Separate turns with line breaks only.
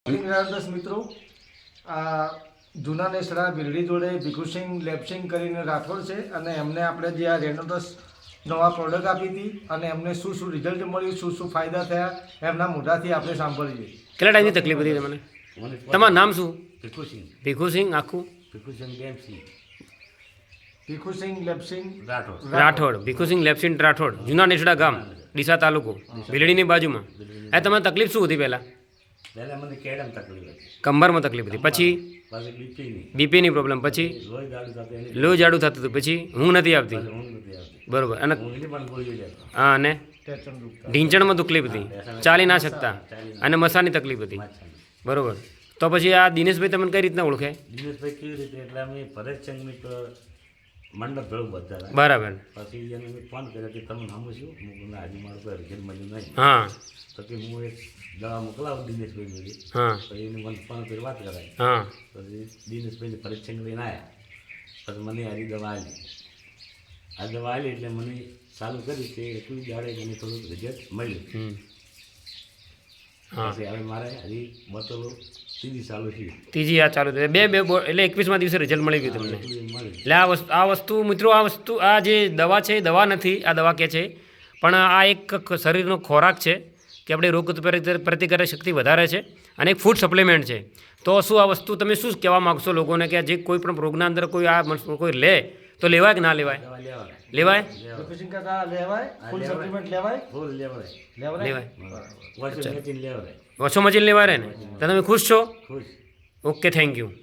દસ મિત્રો આ જૂના નેસડા બિરડી જોડે ભીખુસિંહ લેપસિંગ કરીને રાઠોડ છે અને એમને આપણે જે આ રેનોટસ નવા પ્રોડક્ટ આપી હતી અને એમને શું શું રિઝલ્ટ મળ્યું, શું શું ફાયદા થયા એમના મોઢાથી આપણે સાંભળીએ.
કેટલા ટાઈમની તકલીફ હતી તમને? તમારું નામ શું?
ભીખુસિંહ.
ભીખુસિંહ આખું?
ભીખુસિંહ લેપસિંગ
ભીખુસિંહ લેપસિંગ
રાઠોડ. ભીખુસિંહ લેપસિંગ રાઠોડ, જૂના નેસડા ગામ, ડીસા તાલુકો, બિલડીની બાજુમાં. એ તમને તકલીફ શું હતી પહેલાં?
પહેલાં મને કેડમ તકલીફ હતી,
કમરમાં તકલીફ હતી, પછી બીપીની પ્રોબ્લેમ, પછી લોહી જાડું થતું હતું, પછી ઊંઘ નથી આવતી, બરોબર, અને હા, અને ઢીંચણમાં તકલીફ હતી, ચાલી ના શકતા, અને મસાની તકલીફ હતી, બરોબર. તો પછી આ દિનેશભાઈ તમને કઈ રીતના ઓળખે?
દિનેશભાઈ કેવી રીતે એટલે અમે ભરતચંદ મંડપ ભેળું બધા,
બરાબર.
પછી એને ફોન કર્યો કે તમે નામ શું? હું આજે મારું કોઈ રિઝલ્ટ મળ્યું નહીં.
હા,
પછી હું એક દવા મોકલાવું દિનેશભાઈ જોડે.
હા,
પછી એને મને ફોન કરી વાત કરાય.
હા,
પછી દિનેશભાઈને ભરતચંદ લઈને આવ્યા. પછી મને આરી દવા આવી. આ દવા આવી એટલે મને ચાલુ કરી કે એટલું દાડે મને થોડુંક રિઝલ્ટ મળ્યું.
હા,
પછી હવે મારે હજી બોટલો ત્રીજી ચાલુ છે.
ત્રીજી આ ચાલુ થઈ, બે એટલે 21મા દિવસે રિઝલ્ટ મળી ગયું તમને. એટલે આ વસ્તુ મિત્રો, આ જે દવા છે એ દવા નથી, આ દવા કે છે, પણ આ એક શરીરનો ખોરાક છે કે આપણે રોગ પ્રતિકારક શક્તિ વધારે છે, અને એક ફૂડ સપ્લિમેન્ટ છે. તો શું આ વસ્તુ તમે શું કહેવા માગશો લોકોને કે જે કોઈ પણ રોગના અંદર કોઈ લે તો લેવાય કે ના લેવાય? લેવાય.
ભીખુસિંહ કાકા લેવાય, ફૂલ સપ્લિમેન્ટ લેવાય, લેવાય.
ઓછો મચીને લેવાય ને? તો તમે ખુશ છો?
ખુશ.
Okay, thank you.